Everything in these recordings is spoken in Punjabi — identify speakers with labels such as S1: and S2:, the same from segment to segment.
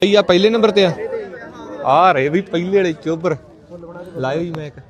S1: ਆ ਪਹਿਲੇ ਨੰਬਰ ਤੇ ਆ ਰਹੇ ਵੀ ਪਹਿਲੇ ਵਾਲੇ ਚੋਬਰ ਲਾਇਓ ਜੀ ਮੈਕ।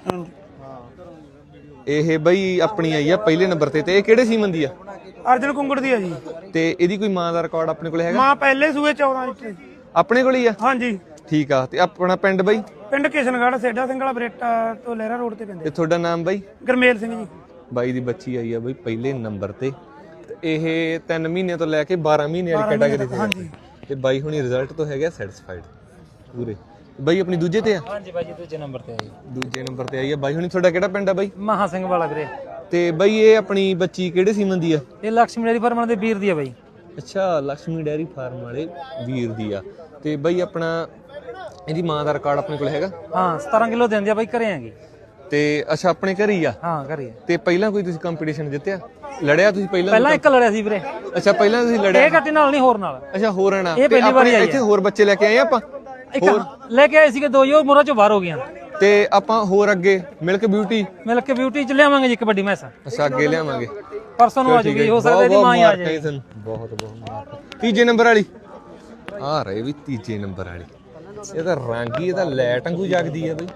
S1: ਇਹ ਬਈ ਆਪਣੀ ਆਈ ਆ ਪਹਿਲੇ ਨੰਬਰ ਤੇ ਇਹ ਕਿਹੜੇ ਸੀਮਨ ਦੀ ਆ?
S2: ਅਰਜਨ ਕੁੰਗੜ ਦੀ ਆ ਜੀ।
S1: ਤੇ ਇਹਦੀ ਕੋਈ ਮਾਂ ਦਾ ਰਿਕਾਰਡ ਆਪਣੇ ਕੋਲ ਹੈਗਾ?
S2: ਮਾਂ ਪਹਿਲੇ ਸੂਏ 14 ਲੀਟਰ
S1: ਆਪਣੇ ਕੋਲ ਹੀ ਆ?
S2: ਹਾਂਜੀ
S1: ਠੀਕ ਆ। ਤੇ ਆਪਣਾ ਪਿੰਡ ਬਈ?
S2: ਪਿੰਡ ਕਿਸ਼ਨਗੜ੍ਹ ਸੇਡਾ ਸਿੰਘ ਵਾਲਾ ਬਰੇਟਾ ਤੋਂ ਲਹਿਰਾ ਰੋਡ ਤੇ ਪੈਂਦੇ।
S1: ਤੇ ਤੁਹਾਡਾ ਨਾਮ ਬਾਈ?
S2: ਗਰਮੇਲ ਸਿੰਘ ਜੀ।
S1: ਬਾਈ ਦੀ ਬੱਚੀ ਆਈ ਆ ਬਈ ਪਹਿਲੇ ਨੰਬਰ ਤੇ ਇਹ 3 ਮਹੀਨੇ ਤੋਂ ਲੈ ਕੇ 12 ਮਹੀਨੇ ਵਾਲੀ ਕੈਟਾਗਰੀ ਤੇ।
S2: ਹਾਂਜੀ।
S1: ਤੇ ਬਾਈ ਹੁਣੀ ਰਿਜ਼ਲਟ ਤੋਂ ਹੈਗਾ ਸੈਟੀਸਫਾਈਡ ਪੂਰੇ। ਬਾਈ ਆਪਣੀ ਦੂਜੇ ਤੇ ਆ?
S2: ਹਾਂਜੀ ਬਾਈ ਜੀ ਦੂਜੇ ਨੰਬਰ ਤੇ ਆਈ।
S1: ਦੂਜੇ ਨੰਬਰ ਤੇ ਆਈ ਆ। ਬਾਈ ਹੁਣੀ ਤੁਹਾਡਾ ਕਿਹੜਾ ਪਿੰਡ ਆ ਬਾਈ?
S2: ਮਹਾ ਸਿੰਘ ਵਾਲਾ ਵੀਰੇ।
S1: ਤੇ ਬਾਈ ਇਹ ਆਪਣੀ ਬੱਚੀ ਕਿਹੜੇ ਸੀਮਨ ਦੀ ਆ?
S2: ਇਹ ਲక్ష్ਮੀ ਡੇਅਰੀ ਫਾਰਮ ਦੇ ਵੀਰ ਦੀ ਆ ਬਾਈ।
S1: ਅੱਛਾ ਲక్ష్ਮੀ ਡੇਅਰੀ ਫਾਰਮ ਵਾਲੇ ਵੀਰ ਦੀ ਆ। ਤੇ ਬਾਈ ਆਪਣਾ ਇਹਦੀ ਮਾਂ ਦਾ ਰਿਕਾਰਡ ਆਪਣੇ ਕੋਲ ਹੈਗਾ?
S2: ਹਾਂ 17 ਕਿਲੋ ਦਿੰਦੇ ਆ ਬਾਈ, ਘਰੇ ਆਂਗੇ।
S1: ਤੇ ਅੱਛਾ ਆਪਣੇ ਘਰ ਹੀ ਆ?
S2: ਹਾਂ ਘਰੇ।
S1: ਤੇ ਪਹਿਲਾਂ ਕੋਈ ਤੁਸੀਂ ਕੰਪੀਟੀਸ਼ਨ ਜਿੱਤਿਆ ਲੜਿਆ ਤੁਸੀਂ?
S2: ਪਹਿਲਾਂ ਇੱਕ ਲੜਿਆ ਸੀ ਵੀਰੇ।
S1: ਅੱਛਾ ਪਹਿਲਾਂ ਤੁਸੀਂ ਲੜਿਆ?
S2: ਇਹ ਕੱਟੀ ਨਾਲ ਨਹੀਂ, ਹੋਰ ਨਾਲ।
S1: ਅੱਛਾ ਹੋਰ ਆਣਾ।
S2: ਇਹ ਪਹਿਲੀ ਵਾਰੀ ਆਈ
S1: ਇੱਥੇ ਹੋਰ ਬੱਚੇ ਲੈ ਕੇ ਆਏ ਆਪਾਂ?
S2: ਇੱਕ ਲੈ ਕੇ ਆਏ ਸੀਗੇ ਦੋ ਹੀ, ਉਹ ਮੋਰਾਂ ਚੋਂ ਬਾਹਰ ਹੋ ਗਈਆਂ।
S1: ਤੇ ਆਪਾਂ ਹੋਰ ਅੱਗੇ ਮਿਲਕ ਬਿਊਟੀ
S2: ਚ ਲਿਆਵਾਂਗੇ ਜੀ ਇੱਕ ਵੱਡੀ ਮੈਸ।
S1: ਅੱਛਾ ਅੱਗੇ ਲਿਆਵਾਂਗੇ
S2: ਪਰਸੋਂ ਨੂੰ ਆ ਜੂਗੀ, ਹੋ ਸਕਦਾ ਇਹਦੀ ਮਾਂ ਹੀ ਆ ਜਾਏ।
S1: ਬਹੁਤ ਬਹੁਤ ਤੀਜੇ ਨੰਬਰ ਵਾਲੀ ਆ ਰਹੇ ਵੀ ਤੀਜੇ ਨੰਬਰ ਵਾਲੀ। ਇਹਦਾ ਰੰਗ ਹੀ ਇਹਦਾ ਲੈਟ ਵਾਂਗੂ ਜਗਦੀ ਆ ਬਈ।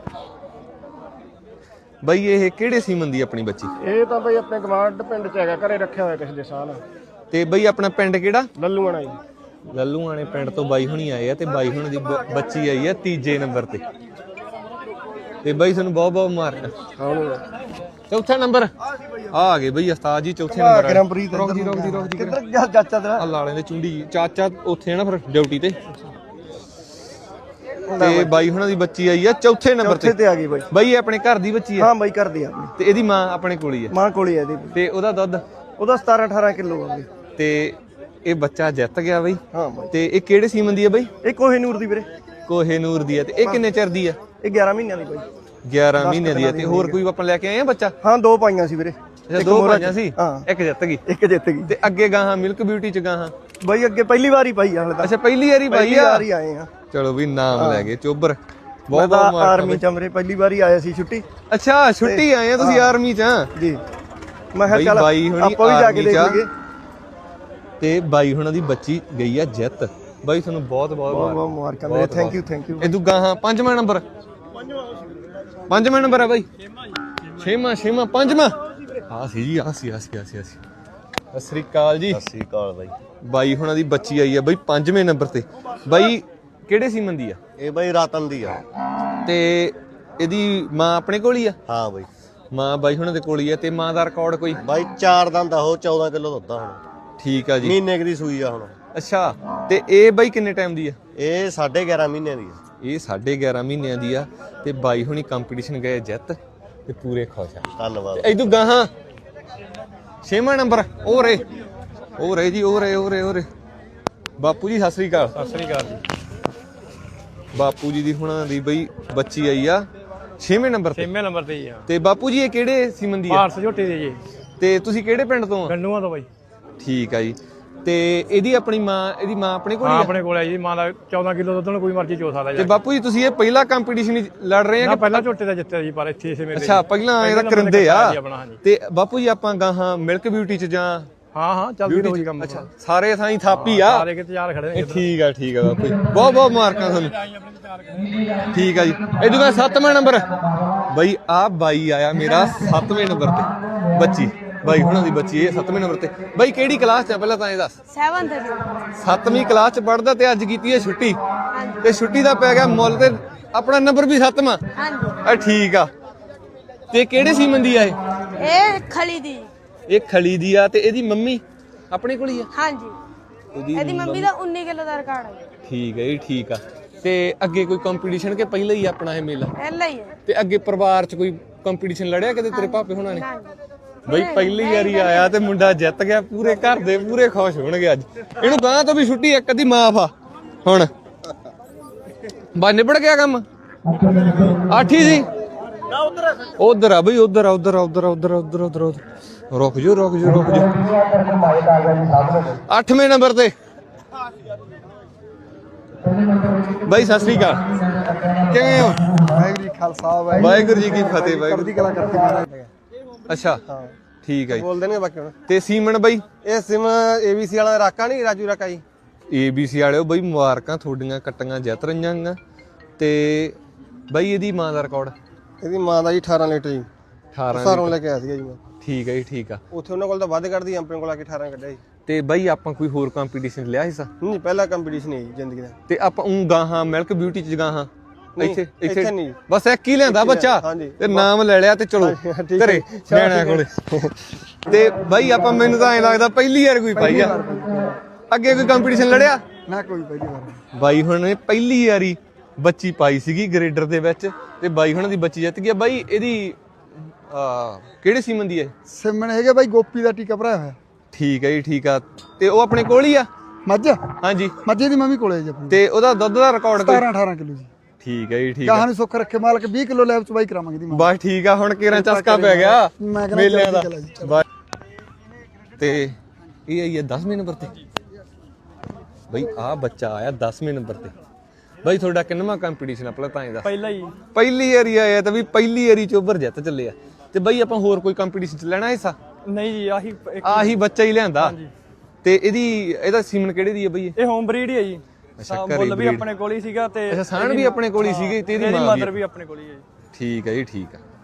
S1: ਬਈ ਇਹ ਕਿਹੜੇ ਸੀਮਨ ਦੀ ਆਪਣੀ ਬੱਚੀ?
S3: ਇਹ ਤਾਂ ਬਈ ਆਪਣੇ ਗਵਾਂਢ ਪਿੰਡ ਚ ਹੈਗਾ, ਘਰੇ ਰੱਖਿਆ ਹੋਇਆ ਪਿਛਲੇ ਸਾਲ।
S1: ਤੇ ਬਈ ਆਪਣਾ ਪਿੰਡ ਕਿਹੜਾ?
S3: ਲੱਲੂਆਣਾ ਜੀ।
S1: ਲੱਲੂਆਣੇ ਪਿੰਡ ਤੋਂ ਬਾਈ ਹੁਣੀ ਆਏ ਆ ਤੇ ਬਾਈ ਹੁਣੀ ਦੀ ਬੱਚੀ ਆਈ ਆ ਤੀਜੇ ਨੰਬਰ ਤੇ। ਤੇ ਬਾਈ ਤੁਹਾਨੂੰ ਬਹੁਤ ਬਹੁਤ ਮੁਬਾਰਕਾਂ। ਚੌਥਾ ਨੰਬਰ ਆ ਗਏ ਬਈ ਉਸਤਾਦ ਜੀ ਚੌਥੇ ਨੰਬਰ ਵਾਲੇ। ਰੁਕ ਜੀ
S3: ਕਿੱਧਰ ਗਿਆ ਚਾਚਾ ਤੇਰਾ?
S1: ਆ ਲਾਲੇ ਦੇ ਚੁੰਡੀ ਚਾਚਾ ਉੱਥੇ ਨਾ ਫਿਰ ਡਿਊਟੀ ਤੇ। ਤੇ ਬਾਈ ਹੁਣਾਂ ਦੀ ਬੱਚੀ ਆਈ ਆ ਚੌਥੇ ਨੰਬਰ ਤੇ
S3: ਆ ਗਈ ਬਾਈ।
S1: ਬਾਈ ਆਪਣੇ ਘਰ ਦੀ ਬੱਚੀ ਆ?
S3: ਹਾਂ ਬਾਈ ਘਰ ਦੀ ਆ ਆਪਣੀ।
S1: ਤੇ ਇਹਦੀ ਮਾਂ ਆਪਣੇ ਕੋਲ ਹੀ ਆ?
S3: ਮਾਂ ਕੋਲ ਹੀ ਆ ਇਹਦੀ।
S1: ਤੇ ਉਹਦਾ ਦੁੱਧ?
S3: ਉਹਦਾ 17-18 ਕਿਲੋ ਆ ਬਈ।
S1: ਤੇ ਇਹ ਬੱਚਾ ਜਿੱਤ ਗਿਆ ਬਈ?
S3: ਹਾਂ ਬਾਈ।
S1: ਤੇ ਇਹ ਕਿਹੜੇ ਸੀਮਨ ਦੀ ਆ ਬਈ?
S3: ਇਹ ਕੋਹੇਨੂਰ ਦੀ ਵੀਰੇ।
S1: ਕੋਹੇਨੂਰ ਦੀ ਆ। ਤੇ ਇਹ ਕਿੰਨੇ ਚਿਰ ਦੀ ਆ?
S3: ਇਹ 11 ਮਹੀਨਿਆਂ ਦੀ ਬਾਈ।
S1: 11 ਮਹੀਨੇ ਦੀ ਆ। ਤੇ ਹੋਰ ਕੋਈ ਆਪਾਂ ਲੈ ਕੇ ਆਏ ਆ ਬੱਚਾ?
S3: ਹਾਂ ਦੋ ਪਾਈਆਂ ਸੀ ਵੀਰੇ।
S1: ਅੱਛਾ ਦੋ ਪਾਈਆਂ ਸੀ,
S3: ਹਾਂ
S1: ਇੱਕ ਜਿੱਤ ਗਈ।
S3: ਇੱਕ ਜਿੱਤ ਗਈ।
S1: ਤੇ ਅੱਗੇ ਗਾਹਾਂ ਮਿਲਕ ਬਿਊਟੀ ਚ ਗਾਹਾਂ
S3: ਬਾਈ ਅੱਗੇ ਪਹਿਲੀ ਵਾਰੀ ਪਾਈ ਆ ਹਲੇ ਤਾਂ।
S1: ਅੱਛਾ ਪਹਿਲੀ ਵਾਰੀ ਪਾਈ ਆ?
S3: ਵਾਰੀ ਆਏ ਆ।
S1: ਚਲੋ ਵੀ ਨਾਮ ਲੈ ਗਏ ਚੋਬਰ।
S3: ਬਹੁਤ ਬਹੁਤ ਆਰਮੀ ਚ ਅਮਰੇ ਪਹਿਲੀ ਵਾਰੀ ਆਇਆ ਸੀ ਛੁੱਟੀ।
S1: ਅੱਛਾ ਛੁੱਟੀ ਆਏ ਆ ਤੁਸੀਂ ਆਰਮੀ ਚ?
S3: ਜੀ ਮੈਂ ਕਿਹਾ ਚੱਲ
S1: ਬਾਈ ਹੁਣੀ
S3: ਆਪਾਂ ਵੀ ਜਾ ਕੇ ਦੇਖ ਲਈਏ।
S1: ਤੇ ਬਾਈ ਹੁਣਾਂ ਦੀ ਬੱਚੀ ਗਈ ਆ ਜਿੱਤ। ਬਾਈ ਤੁਹਾਨੂੰ ਬਹੁਤ ਬਹੁਤ
S3: ਮੁਬਾਰਕਾਂ ਮੇਰੇ। Thank you.
S1: ਇਹ ਦੂਗਾ ਹਾਂ ਪੰਜਵਾਂ ਨੰਬਰ? ਪੰਜਵਾਂ ਨੰਬਰ ਆ ਬਾਈ? ਛੇਵਾਂ ਪੰਜਵਾਂ ਆ ਸੀ ਜੀ। ਆ ਸੀ ਸਤਿ ਸ੍ਰੀ ਅਕਾਲ ਜੀ।
S4: ਸਤਿ ਸ੍ਰੀ ਅਕਾਲ ਬਾਈ।
S1: ਬਾਈ ਹੁਣਾਂ ਦੀ ਬੱਚੀ ਆਈ ਆ ਬਾਈ ਪੰਜਵੇਂ ਨੰਬਰ ਤੇ। ਬਾਈ ਕਿਹੜੇ ਸੀਮਨ ਦੀ ਆ?
S4: ਇਹ ਬਾਈ ਰਤਨ ਦੀ ਆ।
S1: ਤੇ ਇਹਦੀ ਮਾਂ ਆਪਣੇ ਕੋਲ ਹੀ ਆ?
S4: ਹਾਂ ਬਾਈ
S1: ਮਾਂ ਬਾਈ ਹੁਣਾਂ ਦੇ ਕੋਲ ਹੀ ਆ। ਤੇ ਮਾਂ ਦਾ ਰਿਕਾਰਡ ਕੋਈ?
S4: ਬਾਈ 4 ਦੰਦ ਆ, ਉਹ 14 ਕਿਲੋ ਦੁੱਧ ਆ ਹੁਣ।
S1: ਠੀਕ ਆ ਜੀ।
S4: ਮਹੀਨੇ ਦੀ ਸੂਈ ਆ ਹੁਣ।
S1: ਅੱਛਾ ਤੇ ਇਹ ਬਾਈ ਕਿੰਨੇ ਟਾਈਮ ਦੀ ਆ?
S4: ਇਹ 11.5 ਮਹੀਨਿਆਂ ਦੀ ਆ।
S1: ਇਹ 11.5 ਮਹੀਨਿਆਂ ਦੀ ਆ। ਤੇ ਬਾਈ ਹੁਣੀ ਕੰਪੀਟੀਸ਼ਨ ਗਏ ਜਿੱਤ ਤੇ ਪੂਰੇ ਖੁਸ਼ ਆ।
S4: ਧੰਨਵਾਦ।
S1: ਇਦੋਂ ਗਾਹਾਂ 6ਵਾਂ ਨੰਬਰ ਉਹ ਰੇ ਜੀ ਉਹ ਰੇ ਬਾਪੂ ਜੀ ਸਤਿ ਸ੍ਰੀ ਅਕਾਲ।
S2: ਸਤਿ ਸ੍ਰੀ ਅਕਾਲ ਜੀ।
S1: ਬਾਪੂ ਜੀ ਦੀ ਹੁਣਾਂ ਦੀ ਬਈ ਬੱਚੀ ਆਈ ਆ 6ਵੇਂ ਨੰਬਰ ਤੇ।
S2: 6ਵੇਂ ਨੰਬਰ ਤੇ ਹੀ ਆ।
S1: ਤੇ ਬਾਪੂ ਜੀ ਇਹ ਕਿਹੜੇ ਸੀਮਨ ਦੀ ਆ?
S2: ਭਾਰਤ ਝੋਟੀ ਦੀ ਜੀ।
S1: ਤੇ ਤੁਸੀਂ ਕਿਹੜੇ ਪਿੰਡ ਤੋਂ ਆ?
S2: ਗੰਡੂਆਂ ਤੋਂ ਬਾਈ।
S1: ਠੀਕ ਆ ਜੀ। ਤੇ ਇਹਦੀ ਮਾਂ ਆਪਣੇ ਕੋਲ ਹੀ ਆ?
S2: ਆਪਣੇ ਕੋਲ ਆ ਜੀ। ਮਾਂ ਦਾ 14 ਕਿਲੋ ਦੁੱਧ ਨੂੰ ਕੋਈ ਮਰਜ਼ੀ ਚੋ ਸਕਦਾ ਜੀ।
S1: ਤੇ ਬਾਪੂ ਜੀ ਤੁਸੀਂ ਇਹ ਪਹਿਲਾ ਕੰਪੀਟੀਸ਼ਨ ਲੜ ਰਹੇ ਆ ਕਿ
S2: ਪਹਿਲਾਂ ਝੋਟੇ ਦਾ ਜਿੱਤਿਆ ਜੀ, ਪਰ ਇੱਥੇ ਇਸੇ ਮੇਰੇ।
S1: ਅੱਛਾ ਪਹਿਲਾਂ ਇਹਦਾ ਕਰਿੰਦੇ ਆ। ਤੇ ਬਾਪੂ ਜੀ ਆਪਾਂ ਗਾਹਾਂ ਮਿਲਕ ਬਿਊਟੀ ਚ ਜਾਂ?
S2: ਹਾਂ ਚੱਲਦੀ ਰਹੂਗੀ ਕੰਮ।
S1: ਅੱਛਾ ਸਾਰੇ ਥਾਂ ਹੀ ਥਾਪੀ ਆ?
S2: ਸਾਰੇ ਕਿਤੇ ਯਾਰ ਖੜੇ ਨੇ।
S1: ਠੀਕ ਆ ਬਾਪੂ ਜੀ ਬਹੁਤ ਬਹੁਤ ਮੁਬਾਰਕਾਂ ਤੁਹਾਨੂੰ। ਠੀਕ ਆ ਜੀ। ਇਹਦੇ ਬਾਅਦ 7ਵਾਂ ਨੰਬਰ ਬਾਈ ਆ ਬਾਈ ਆਇਆ ਮੇਰਾ 7ਵੇਂ ਨੰਬਰ ਤੇ ਬੱਚੀ। ਬਾਈ ਹੁਣਾਂ ਦੀ ਬੱਚੀ ਇਹ 7ਵੇਂ ਨੰਬਰ ਤੇ। ਬਾਈ ਕਿਹੜੀ ਕਲਾਸ ਚ ਆ ਪਹਿਲਾਂ ਤਾਂ ਇਹ ਦੱਸ? 7ਵੀਂ ਕਲਾਸ ਚ ਪੜਦਾ ਤੇ ਅੱਜ ਕੀਤੀ ਹੈ ਛੁੱਟੀ। ਤੇ ਛੁੱਟੀ ਦਾ ਪੈ ਗਿਆ ਮੁੱਲ ਤੇ ਆਪਣਾ ਨੰਬਰ ਵੀ 7ਵਾਂ। ਹਾਂਜੀ ਠੀਕ ਆ। ਤੇ ਕਿਹੜੇ ਸੀਮਨ ਦੀ ਆ ਇਹ?
S5: ਇਹ ਖਲੀ ਦੀ।
S1: ਇਹ ਖਲੀ ਦੀ ਆ। ਤੇ ਇਹਦੀ ਮੰਮੀ ਆਪਣੇ ਕੋਲ ਹੀ ਆ?
S5: ਹਾਂਜੀ ਇਹਦੀ ਮੰਮੀ ਦਾ 19 ਕਿਲੋ ਦਾ ਰਿਕਾਰਡ ਹੈ।
S1: ਠੀਕ ਹੈ ਜੀ ਠੀਕ ਆ। ਤੇ ਅੱਗੇ ਕੋਈ ਕੰਪੀਟੀਸ਼ਨ ਕਿ ਪਹਿਲਾਂ ਹੀ ਆਪਣਾ ਇਹ ਮੇਲਾ?
S5: ਪਹਿਲਾਂ ਹੀ ਹੈ।
S1: ਤੇ ਅੱਗੇ ਪਰਿਵਾਰ ਚ ਕੋਈ ਕੰਪੀਟੀਸ਼ਨ ਲੜਿਆ ਕਦੇ ਤੇਰੇ ਭਾਪੇ ਹੁਣਾਂ ਨੇ? ਬਈ ਪਹਿਲੀ ਵਾਰੀ ਆਇਆ ਤੇ ਮੁੰਡਾ ਜਿੱਤ ਗਿਆ। ਪੂਰੇ ਘਰ ਦੇ ਪੂਰੇ ਖੁਸ਼ ਹੋਣਗੇ ਅੱਜ। ਇਹਨੂੰ ਗਾਂ ਤੋਂ ਵੀ ਛੁੱਟੀ ਇੱਕ ਅੱਧੀ ਮਾਫ ਆ ਹੁਣ। ਬਾ ਨਿਬੜ ਗਿਆ ਕੰਮ। ਆਠੀ ਸੀ ਉਧਰ ਆ ਬਈ ਉਧਰ ਰੁਕ ਜਾ 8ਵੇਂ ਨੰਬਰ ਤੇ ਬਾਈ ਸਤਿ ਸ੍ਰੀ ਅਕਾਲ। ਕਿਵੇਂ ਹੋ?
S3: ਵਾਹਿਗੁਰੂ ਜੀ ਖਾਲਸਾ
S1: ਵਾਹਿਗੁਰੂ ਜੀ ਕੀ ਫਤਿਹ। ਵਾਹਿਗੁਰੂ
S3: ਦੀ ਕਲਾ ਕਰਤੀ।
S1: ਅੱਛਾ ਠੀਕ ਹੈ ਜੀ।
S3: ਬੋਲ ਦੇਣਗੇ ਬਾਕੀ ਹੁਣ।
S1: ਤੇ ਸੀਮਨ ਬਾਈ?
S3: ਇਹ ਸਿਮ ABC ਵਾਲਾ ਰਾਕਾ ਨਹੀਂ, ਰਾਜੂ ਰਾਕਾ ਜੀ।
S1: ABC ਵਾਲਿਓ ਬਈ ਮੁਬਾਰਕਾਂ ਤੁਹਾਡੀਆਂ ਕੱਟੀਆਂ ਜਿੱਤ ਰਹੀਆਂ ਗਾ। ਤੇ ਬਈ ਇਹਦੀ ਮਾਂ ਦਾ ਰਿਕਾਰਡ
S3: ਇਹਦੀ ਮਾਂ ਦਾ ਜੀ 18 ਲੀਟਰ ਜੀ
S1: 18
S3: ਸਾਰੋਂ ਲੈ ਕੇ ਆਇਆ ਸੀਗਾ ਜੀ ਮੈਂ
S1: ਠੀਕ ਹੈ ਜੀ ਠੀਕ ਆ।
S3: ਉੱਥੇ ਉਹਨਾਂ ਕੋਲ ਤਾਂ ਵੱਧ ਕੱਢਦੀ ਆਪਣੇ ਕੋਲ ਆ ਕੇ 18 ਕੱਢਿਆ ਜੀ।
S1: ਤੇ ਬਈ ਆਪਾਂ ਕੋਈ ਹੋਰ ਕੰਪੀਟੀਸ਼ਨ ਲਿਆ ਹਿੱਸਾ
S3: ਨਹੀਂ ਪਹਿਲਾ ਕੰਪੀਟੀਸ਼ਨ ਹੈ ਜੀ ਜ਼ਿੰਦਗੀ ਦਾ।
S1: ਤੇ ਆਪਾਂ ਗਾਹਾਂ ਮਿਲਕ ਬਿਊਟੀ ਚ ਗਾਹਾਂ ਇੱਥੇ
S3: ਇੱਥੇ ਨਹੀਂ।
S1: ਬਸ ਇੱਕ ਹੀ ਲਿਆਂਦਾ ਬੱਚਾ
S3: ਹਾਂਜੀ।
S1: ਤੇ ਨਾਮ ਲੈ ਲਿਆ ਤੇ ਚਲੋ
S3: ਠੀਕ ਹੈ।
S1: ਘਰੇ ਨਿਆਣਿਆਂ ਕੋਲੇ। ਤੇ ਬਾਈ ਆਪਾਂ ਮੈਨੂੰ ਤਾਂ ਐਂ ਲੱਗਦਾ ਪਹਿਲੀ ਵਾਰ ਕੋਈ ਪਾਈ ਆ। ਅੱਗੇ ਕੋਈ ਕੰਪੀਟੀਸ਼ਨ ਲੜਿਆ
S2: ਨਾ ਕੋਈ ਪਹਿਲੀ ਵਾਰ
S1: ਬਾਈ ਹੁਣ ਨੇ ਪਹਿਲੀ ਵਾਰੀ ਬੱਚੀ ਪਾਈ ਸੀਗੀ ਗ੍ਰੇਡਰ ਦੇ ਵਿੱਚ ਤੇ ਬਾਈ ਹੁਣਾਂ ਦੀ ਬੱਚੀ ਜਿੱਤ ਗਈ। ਬਾਈ ਇਹਦੀ ਕਿਹੜੇ ਸੀਮਨ ਦੀ ਹੈ?
S2: ਸਿਮਣ ਹੈਗੇ ਬਾਈ ਗੋਪੀ ਦਾ ਟੀਕਾ ਭਰਾਇਆ ਹੋਇਆ।
S1: ਠੀਕ ਹੈ ਜੀ ਠੀਕ ਆ। ਤੇ ਉਹ ਆਪਣੇ ਕੋਲ ਹੀ ਆ?
S2: ਮੱਝ
S1: ਹਾਂਜੀ
S2: ਮੱਝੇ ਦੀ ਮੰਮੀ ਕੋਲੇ ਜੀ ਆਪਣੀ
S1: ਤੇ ਉਹਦਾ ਦੁੱਧ ਦਾ ਰਿਕਾਰਡ ਕੋਈ?
S2: 18 ਕਿਲੋ ਜੀ।
S1: ਠੀਕ ਹੈ ਜੀ ਠੀਕ ਆ।
S2: ਗਾਹਾਂ ਨੂੰ ਸੁੱਖ ਰੱਖੇ ਮਾਲਕ 20 ਕਿਲੋ ਲੈਬ ਚ ਬਾਈ ਕਰਾਵਾਂਗੇ ਦੀ
S1: ਬਸ ਠੀਕ ਆ। ਹੁਣ ਕਿਹੜਾ ਚਸਕਾ ਪੈ ਗਿਆ
S2: ਮੈਂ ਕਹਿੰਦਾ
S1: ਮੇਲਿਆਂ ਦਾ।
S2: ਚਲੋ ਜੀ, ਚਲੋ।
S1: ਬਸ। ਤੇ ਇਹ ਆਈ ਹੈ 10ਵੇਂ ਨੰਬਰ ਤੇ। ਬਈ ਆ ਬੱਚਾ ਆਇਆ 10ਵੇਂ ਨੰਬਰ ਤੇ। ਬਈ ਤੁਹਾਡਾ ਕਿੰਨਵਾਂ ਕੰਪੀਟੀਸ਼ਨ ਆ ਤਾਂ ਇਹਦਾ?
S2: ਪਹਿਲਾ ਹੀ
S1: ਪਹਿਲੀ ਵਾਰੀ ਆਇਆ ਤਾਂ ਵੀ ਪਹਿਲੀ ਵਾਰੀ ਚੋਬਰ ਜਿੱਤ ਚੱਲੇ ਆ। ਤੇ ਬਈ ਆਪਾਂ ਹੋਰ ਕੋਈ ਕੰਪੀਟੀਸ਼ਨ ਚ ਲੈਣਾ ਹਿੱਸਾ?
S2: ਨਹੀਂ ਜੀ
S1: ਆਹੀ ਬੱਚਾ ਹੀ ਲਿਆਂਦਾ। ਤੇ ਇਹਦਾ ਸੀਮਨ ਕਿਹੜੇ ਦੀ ਹੈ ਬਈ?
S2: ਇਹ ਹੋਮ ਬਰੀਡ ਹੀ ਹੈ ਜੀ।
S1: ਅੱਛਾ
S2: ਮੁੱਲ ਵੀ ਆਪਣੇ ਕੋਲ ਹੀ ਸੀਗਾ ਤੇ
S1: ਅੱਛਾ ਸਾਨ ਵੀ ਆਪਣੇ ਕੋਲ ਹੀ ਸੀਗੇ ਤੇ ਇਹਦੀ ਮਾਂ
S2: ਮਦਰ ਵੀ ਆਪਣੇ ਕੋਲ ਹੀ ਹੈ ਜੀ।
S1: ਠੀਕ ਹੈ ਜੀ ਠੀਕ ਆ।